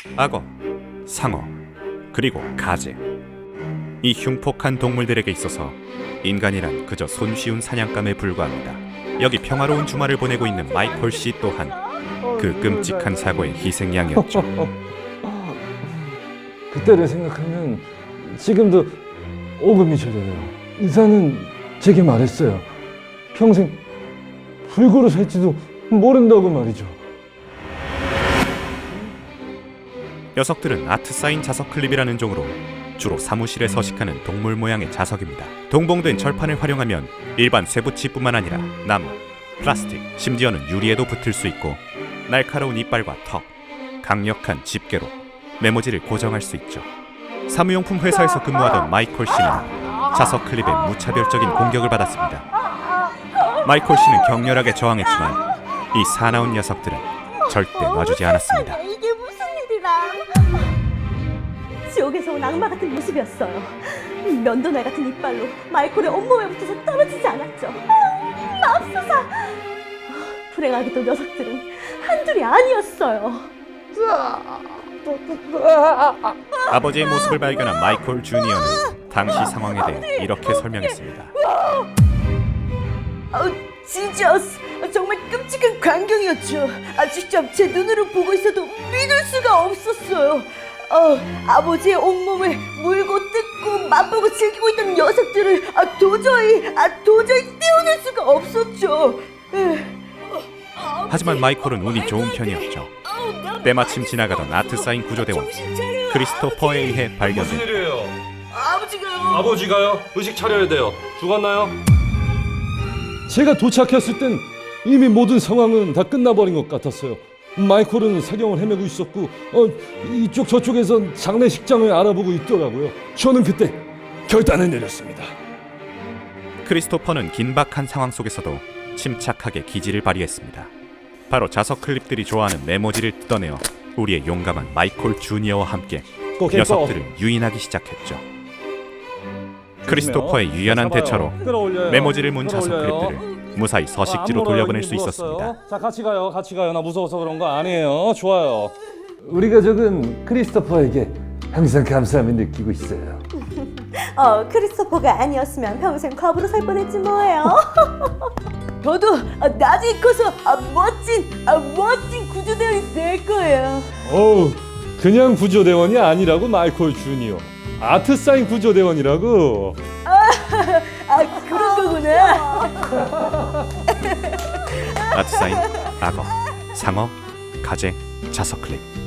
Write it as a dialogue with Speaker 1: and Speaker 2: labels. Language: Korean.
Speaker 1: 악어, 상어, 그리고 가재. 이 흉폭한 동물들에게 있어서 인간이란 그저 손쉬운 사냥감에 불과합니다. 여기 평화로운 주말을 보내고 있는 마이콜 씨 또한 그 끔찍한 사고의 희생양이었죠.
Speaker 2: 그때를 생각하면 지금도 오금이 저려요. 의사는 제게 말했어요. 평생 불구로 살지도 모른다고 말이죠.
Speaker 1: 녀석들은 아트사인 자석 클립이라는 종으로 주로 사무실에 서식하는 동물 모양의 자석입니다. 동봉된 철판을 활용하면 일반 쇠붙이뿐만 아니라 나무, 플라스틱, 심지어는 유리에도 붙을 수 있고 날카로운 이빨과 턱, 강력한 집게로 메모지를 고정할 수 있죠. 사무용품 회사에서 근무하던 마이콜 씨는 자석 클립에 무차별적인 공격을 받았습니다. 마이콜 씨는 격렬하게 저항했지만 이 사나운 녀석들은 절대 놔주지 않았습니다.
Speaker 3: 이게 무슨 일이라? 지옥에서 온 악마 같은 모습이었어요. 면도날 같은 이빨로 마이콜의 온몸에 붙어서 떨어지지 않았죠. 맙소사! 불행하게도 녀석들은 한둘이 아니었어요.
Speaker 1: 아버지의 모습을 발견한 마이콜 주니어는 당시 상황에 대해 이렇게 설명했습니다.
Speaker 3: 지저스! 정말 끔찍한 광경이었죠. 직접 제 눈으로 보고 있어도 믿을 수가 없었어요. 아버지의 온몸을 물고 뜯고 맛보고 즐기고 있던 녀석들을 도저히 떼어낼 수가 없었죠.
Speaker 1: 하지만 마이콜은 운이 좋은 편이었죠. 때마침 지나가던 아트사인 구조대원 크리스토퍼에 의해
Speaker 4: 무슨
Speaker 1: 발견된
Speaker 4: 일이에요?
Speaker 3: 아버지가요?
Speaker 4: 의식 차려야 돼요. 죽었나요?
Speaker 2: 제가 도착했을 땐 이미 모든 상황은 다 끝나버린 것 같았어요. 마이콜은 사경을 헤매고 있었고 이쪽 저쪽에선 장례식장을 알아보고 있더라고요. 저는 그때 결단을 내렸습니다.
Speaker 1: 크리스토퍼는 긴박한 상황 속에서도 침착하게 기지를 발휘했습니다. 바로 자석 클립들이 좋아하는 메모지를 뜯어내어 우리의 용감한 마이콜 주니어와 함께 녀석들을 유인하기 시작했죠. 크리스토퍼의 유연한 대처로 메모지를 문 자석 클립들을 무사히 서식지로 돌려보낼 수 있었습니다.
Speaker 2: 자, 같이 가요. 나 무서워서 그런 거 아니에요. 좋아요. 우리 가족은 크리스토퍼에게 항상 감사함을 느끼고 있어요.
Speaker 3: 크리스토퍼가 아니었으면 평생 과부로 살 뻔했지 뭐예요. 저도 나중에 커서 멋진 구조대원이 될 거예요.
Speaker 2: 그냥 구조대원이 아니라고 마이콜 주니어. 아트사인 구조대원이라고.
Speaker 3: 그런 거구나.
Speaker 1: 아트사인, 악어, 상어, 가재, 자석 클립.